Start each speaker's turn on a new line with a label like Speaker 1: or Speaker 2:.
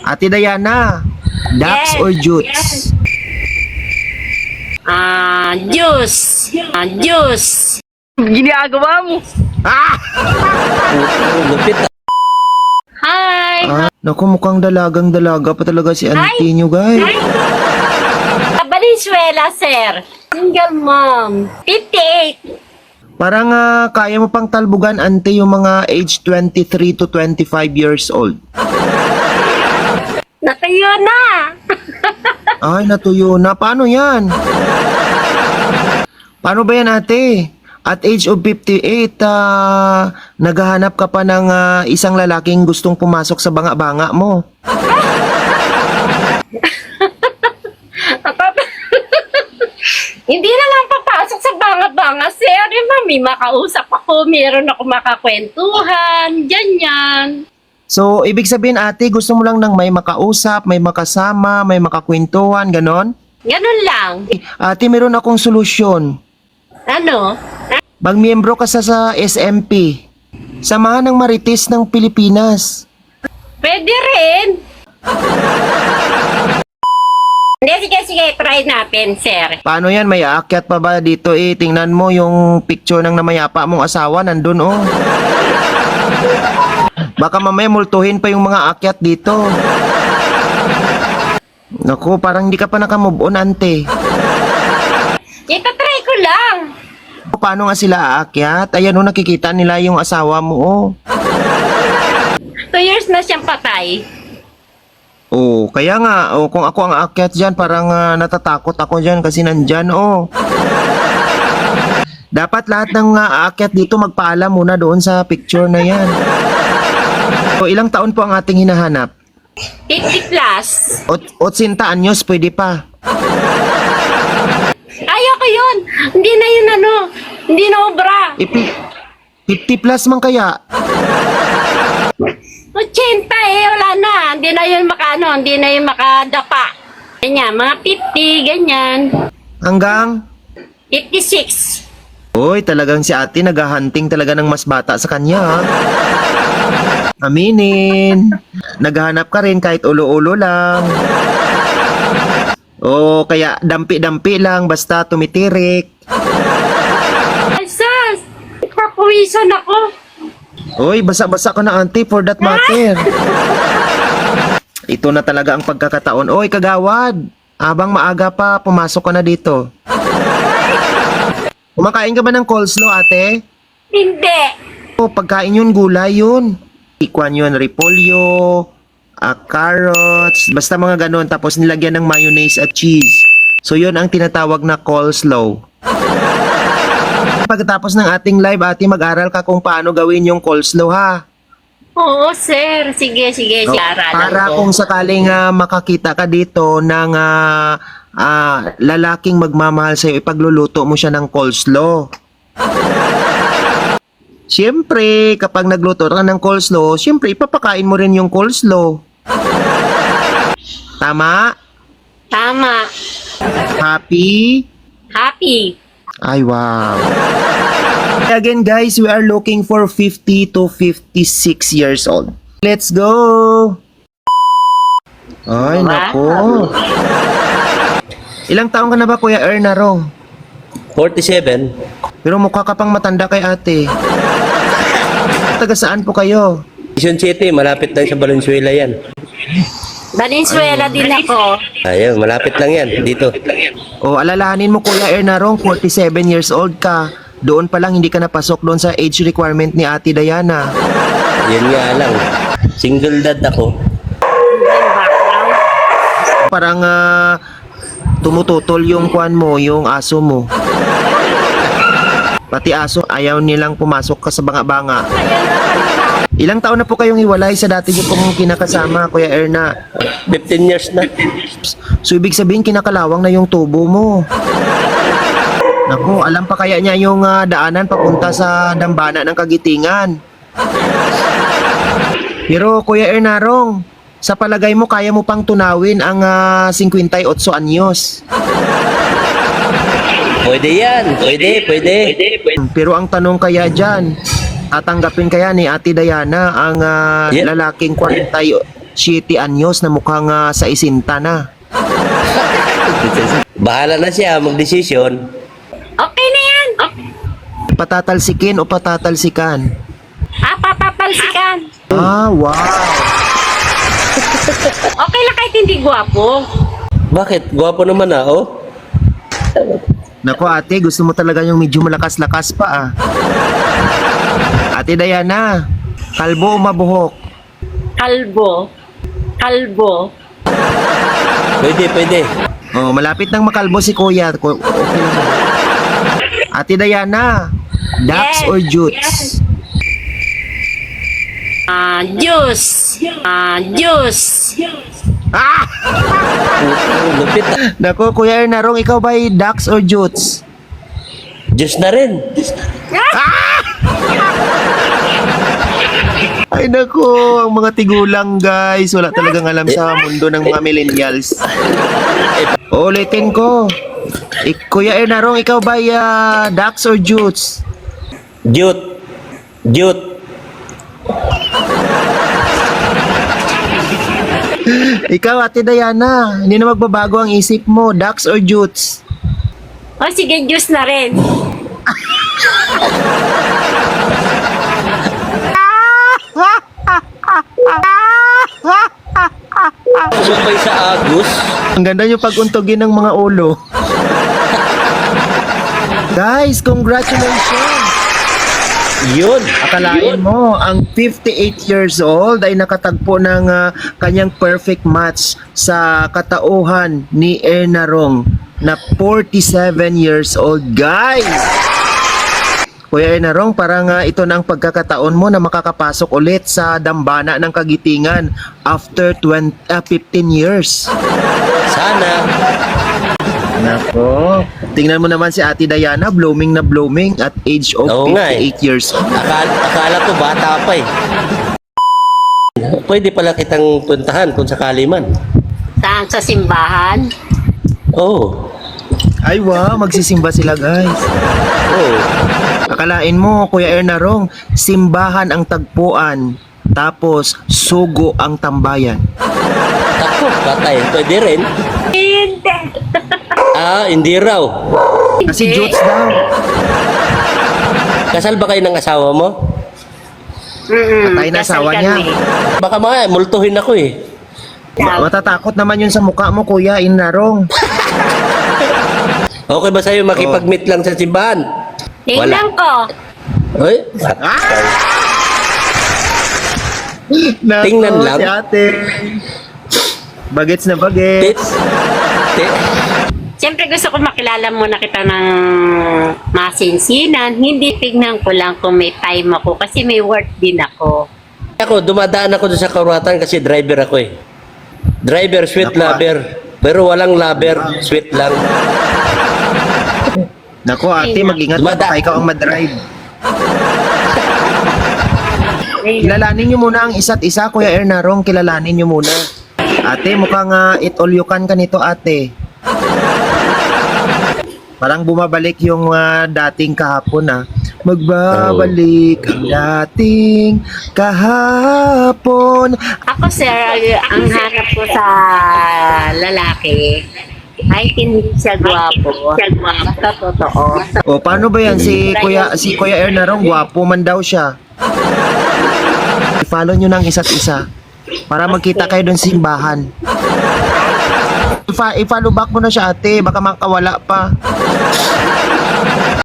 Speaker 1: Ate Diana, Dax
Speaker 2: Yes,
Speaker 1: or Jutes?
Speaker 2: yes. Juice. Juice.
Speaker 3: Ginagawa mo.
Speaker 1: Ah!
Speaker 4: Lupit.
Speaker 2: Hi.
Speaker 1: Naku, mukhang dalagang-dalaga pa talaga si auntie nyo, guys.
Speaker 2: Valenzuela, sir. Single mom. 58.
Speaker 1: Parang kaya mo pang talbugan, auntie, yung mga age 23 to 25 years old.
Speaker 2: Natayo na.
Speaker 1: Ay, natuyo na. Paano yan? Paano ba yan, ate? At age of 58, naghahanap ka pa ng isang lalaking gustong pumasok sa banga-banga mo.
Speaker 2: Hindi na lang papasok sa banga-banga, sir. Di ba, may makausap ako, meron ako makakwentuhan, ganyan.
Speaker 1: So, ibig sabihin, ate, gusto mo lang ng may makausap, may makasama, may makakwentuhan, ganon?
Speaker 2: Ganun lang.
Speaker 1: Ate, meron akong solusyon.
Speaker 2: Ano?
Speaker 1: Magmiyembro ka sa SMP. Samahan ng Marites ng Pilipinas.
Speaker 2: Pwede rin. Hindi, sige, try natin, sir.
Speaker 1: Paano yan? May aakyat pa ba dito eh? Tingnan mo yung picture ng namayapa mong asawa, nandun oh. Baka mamaya multuhin pa yung mga akyat dito. Naku, parang hindi ka pa nakamove on, ante.
Speaker 2: Itatry ko lang.
Speaker 1: Paano nga sila aakyat? Ayan oh, nakikita nila yung asawa mo oh.
Speaker 2: 2 years na siyang patay.
Speaker 1: Oh, kaya nga, oh, kung ako ang aakyat dyan, parang natatakot ako dyan kasi nandyan, oh. Dapat lahat ng aakyat dito magpaalam muna doon sa picture na yan. So, ilang taon po ang ating hinahanap?
Speaker 2: 50 plus.
Speaker 1: 80 anyos, pwede pa.
Speaker 2: Ayoko yun. Hindi na yun hindi na obra.
Speaker 1: 50 plus man kaya.
Speaker 2: 80 wala na. Hindi na yun hindi na yun makadapa. Ganyan, mga 50, ganyan.
Speaker 1: Hanggang?
Speaker 2: 56.
Speaker 1: Uy, talagang si ate naghahunting talaga ng mas bata sa kanya, ha? Aminin. Naghahanap ka rin kahit ulo-ulo lang. O kaya dampi-dampi lang basta tumitirik.
Speaker 2: Ay, sus! Ipapawisan ako.
Speaker 1: Uy, basa-basa ka na, auntie, for that matter. Ito na talaga ang pagkakataon. Uy, kagawad. Habang maaga pa, pumasok ka na dito. Kumakain ka ba ng coleslaw, ate?
Speaker 2: Hindi.
Speaker 1: O, pagkain yun, gulay yun. Ikwan yun, repolyo, carrots, basta mga ganon. Tapos nilagyan ng mayonnaise at cheese. So, yun ang tinatawag na coleslaw. Pagkatapos ng ating live, ate, mag-aral ka kung paano gawin yung coleslaw, ha?
Speaker 2: Oo, sir. Sige,
Speaker 1: No,
Speaker 2: aralan
Speaker 1: para
Speaker 2: ko.
Speaker 1: kung sakaling makakita ka dito ng lalaking magmamahal sa'yo, ipagluluto mo siya ng coleslaw. Siyempre, kapag nagluto ka ng coleslaw, siyempre, ipapakain mo rin yung coleslaw. Tama?
Speaker 2: Tama.
Speaker 1: Happy?
Speaker 2: Happy.
Speaker 1: Ay, wow. Again, guys, we are looking for 50 to 56 years old. Let's go! Ay,
Speaker 2: Wow.
Speaker 1: nako. Ilang taong ka na ba, Kuya Ernarong?
Speaker 4: 47.
Speaker 1: Pero mukha ka pang matanda kay ate. Taga saan po kayo?
Speaker 4: Quezon City, malapit lang sa Valenzuela yan.
Speaker 2: Valenzuela din ako.
Speaker 4: Ayun, malapit lang yan, dito.
Speaker 1: O, alalahanin mo, Kuya Ernarong, 47 years old ka. Doon pa lang hindi ka napasok doon sa age requirement ni Ate Diana.
Speaker 4: Yan nga lang. Single dad ako.
Speaker 1: Parang tumututol yung kwan mo, yung aso mo. Pati aso, ayaw nilang pumasok ka sa banga-banga. Ilang taon na po kayong hiwalay sa dati niyo pong kinakasama, Kuya Erna?
Speaker 4: 15 years na.
Speaker 1: So, ibig sabihin, kinakalawang na yung tubo mo. Naku, alam pa kaya niya yung daanan papunta sa dambana ng Kagitingan. Pero, Kuya Ernarong, sa palagay mo, kaya mo pang tunawin ang 58 anyos.
Speaker 4: Pwede yan. Pwede.
Speaker 1: Pero ang tanong kaya dyan, tatanggapin kaya ni Ate Diana ang
Speaker 4: Yeah.
Speaker 1: lalaking 7 anyos na mukhang sa isinta na.
Speaker 4: Bahala na siya magdesisyon.
Speaker 2: Okay na yan. Okay.
Speaker 1: Patatalsikin o patatalsikan?
Speaker 2: Papatalsikan.
Speaker 1: Wow.
Speaker 2: Okay lang kahit hindi gwapo.
Speaker 4: Bakit? Gwapo naman oh.
Speaker 1: Nako ate, gusto mo talaga yung medyo malakas-lakas pa Ate Diana, kalbo o mabuhok?
Speaker 2: Kalbo. Kalbo.
Speaker 4: Pwede.
Speaker 1: Oh, malapit nang makalbo si kuya. Okay lang. Ate Diana, ducks
Speaker 2: Yes,
Speaker 1: or jutes?
Speaker 2: Juice. Juice.
Speaker 4: Lupit ah.
Speaker 1: Nako, Kuya Ernarong, ikaw ba ay ducks or jutes?
Speaker 4: Diyos na rin.
Speaker 1: Ay nako, ang mga tigulang guys, wala talagang alam sa mundo ng mga millennials. Ulitin ko. Kuya Ernarong, ikaw ba ay ducks or jutes?
Speaker 4: Jute.
Speaker 1: Ikaw, Ate Diana, hindi na magbabago ang isip mo, ducks or jutes?
Speaker 2: O sige, juice na rin.
Speaker 4: Sumay sa Agus.
Speaker 1: Ang ganda yung pag-untugin ng mga ulo. Guys, congratulations!
Speaker 4: Yun.
Speaker 1: Akalain mo, ang 58 years old ay nakatagpo ng kanyang perfect match sa katauhan ni Ernarong na 47 years old. Guys! Kuya Ernarong, parang ito na ang pagkakataon mo na makakapasok ulit sa dambana ng kagitingan after 15 years.
Speaker 4: Sana.
Speaker 1: Nako. Tingnan mo naman si Ate Diana, blooming na blooming at age of
Speaker 4: Oo nga
Speaker 1: 58 years old.
Speaker 4: Akala ko bata pa eh. Pwede pala kitang puntahan kung sakali man.
Speaker 2: Saan? Sa simbahan?
Speaker 4: Oo.
Speaker 1: Ay wow, magsisimba sila guys.
Speaker 4: Oo.
Speaker 1: Akalain mo, Kuya Ernarong, simbahan ang tagpuan, tapos sugo ang tambayan.
Speaker 4: Ako, patay. Pwede rin.
Speaker 2: Hindi.
Speaker 4: Hindi raw.
Speaker 1: Kasi jutes daw.
Speaker 4: Kasal ba kayo ng asawa mo?
Speaker 1: Patay na
Speaker 2: Kasal
Speaker 1: asawa niya.
Speaker 2: kami.
Speaker 4: Baka multuhin ako eh.
Speaker 1: Matatakot naman yun sa mukha mo, Kuya Ernarong.
Speaker 4: Okay ba sa'yo makipag-meet lang sa simbahan?
Speaker 2: Tingnan ko.
Speaker 4: Uy,
Speaker 1: Nako,
Speaker 4: Tingnan lang.
Speaker 1: si ate. Bagets na bagets.
Speaker 2: Siyempre gusto ko makilala muna kita ng masinsinan. Hindi tignan ko lang kung may time ako kasi may work din ako.
Speaker 4: Ako, dumadaan ako doon sa Kauratan kasi driver ako eh. Driver, sweet
Speaker 1: Naku,
Speaker 4: lover. Pero walang lover, sweet lang.
Speaker 1: Nako ate, mag-ingat ka baka ikaw ang madrive. Kilalanin nyo muna ang isa't isa, Kuya Ernarong. Kilalanin nyo muna. Ate, mukhang it-all-you-can ka nito, ate. Parang bumabalik yung dating kahapon, Magbabalik ang dating kahapon.
Speaker 2: Ako sir, ang hanap ko sa lalaki ay hindi siya gwapo. Basta totoo.
Speaker 1: O, paano ba yan? Si Kuya Ernarong, gwapo man daw siya. I-follow nyo ng isa't isa para magkita kayo doon sa simbahan. I-follow back mo na siya, ate. Baka makawala pa.